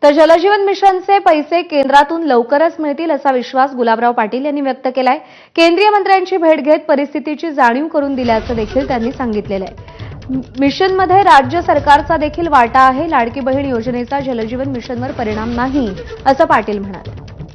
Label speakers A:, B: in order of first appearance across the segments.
A: तर जलजीवन मिशनचे पैसे केंद्रातून लवकरच मिळतील असा विश्वास गुलाबराव पाटील यांनी व्यक्त केलाय। केंद्रीय मंत्र्यांची भेट घेत परिस्थितीची जाणीव करून दिल्याचं देखील त्यांनी सांगितलेलं आहे। मिशनमध्ये राज्य सरकारचा देखील वाटा आहे। लाडकी बहीण योजनेचा जलजीवन मिशनवर परिणाम नाही असं पाटील म्हणाले।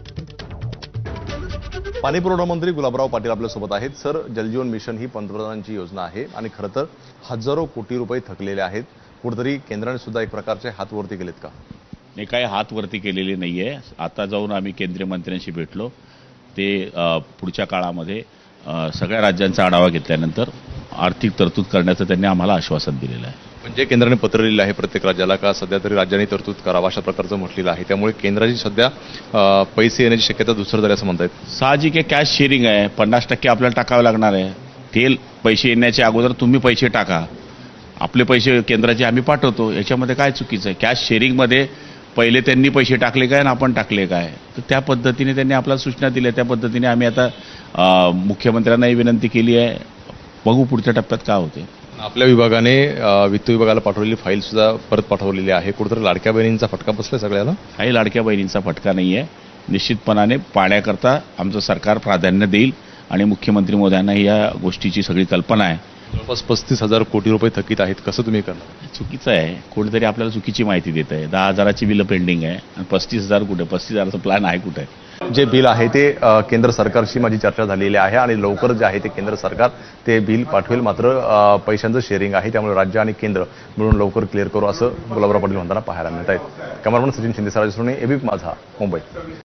B: पाणीपुरवठा मंत्री गुलाबराव पाटील आपल्यासोबत आहेत। सर, जलजीवन मिशन ही पंतप्रधानांची योजना आहे आणि खरं तर हजारो कोटी रुपये थकलेले आहेत। कुठेतरी केंद्राने सुद्धा एक प्रकारचे हात वरती केलेत का?
C: नाही, काही हात वरती केलेले नाहीये। आता जाऊन आम्ही केंद्रीय मंत्र्यांशी भेटलो, ते पुढच्या काळामध्ये सगळ्या राज्यांचा आढावा घेतल्यानंतर आर्थिक तरतूद करण्याचं त्यांनी आम्हाला आश्वासन दिलेलं आहे।
B: म्हणजे केंद्राने पत्र लिहिलं आहे प्रत्येक राज्याला का सध्या तरी राज्यांनी तरतूद करावा अशा प्रकारचं म्हटलेलं आहे। त्यामुळे केंद्राची सध्या पैसे येण्याची शक्यता दुसरं झाली असं म्हणतायत।
C: साहजिक आहे, कॅश शेअरिंग आहे, 50% आपल्याला टाकावे लागणार आहे। तेल पैसे येण्याच्या अगोदर तुम्ही पैसे टाका, आपले पैसे केंद्राचे आम्ही पाठवतो, याच्यामध्ये काय चुकीचं आहे? कॅश शेअरिंगमध्ये पहिले त्यांनी पैसे टाकले काय आणि आपण टाकले काय, तर त्या पद्धतीने त्यांनी आपल्याला सूचना दिल्या। त्या पद्धतीने आम्ही आता मुख्यमंत्र्यांनाही विनंती केली आहे। बघू पुढच्या टप्प्यात काय होते।
B: आपल्या विभागाने वित्त विभागाला पाठवलेली फाईल सुद्धा परत पाठवलेली आहे। कुठेतरी लाडक्या बहिणींचा फटका बसलाय सगळ्याला?
C: काही लाडक्या बहिणींचा फटका नाही आहे। निश्चितपणाने पाण्याकरता आमचं सरकार प्राधान्य देईल आणि मुख्यमंत्री महोदयांना या गोष्टीची सगळी कल्पना आहे।
B: जवळपास 35,000 कोटी रुपये थकीत आहेत, कसं तुम्ही करणार?
C: चुकीचं आहे, कोणीतरी आपल्याला चुकीची माहिती देत आहे। 10,000ची बिलं पेंडिंग आहे आणि 35,000 कुठे? 35,000चा प्लॅन आहे कुठे?
B: जे बिल आहे ते केंद्र सरकारशी माझी चर्चा झालेली आहे आणि लवकर जे आहे ते केंद्र सरकार ते बिल पाठवेल। मात्र पैशांचं शेअरिंग आहे, त्यामुळे राज्य आणि केंद्र मिळून लवकर क्लिअर करू असं गुलाबराव पाटील म्हणताना पाहायला मिळत आहेत। कॅमेरामन सचिन शिंदे, एबीपी माझा, मुंबई।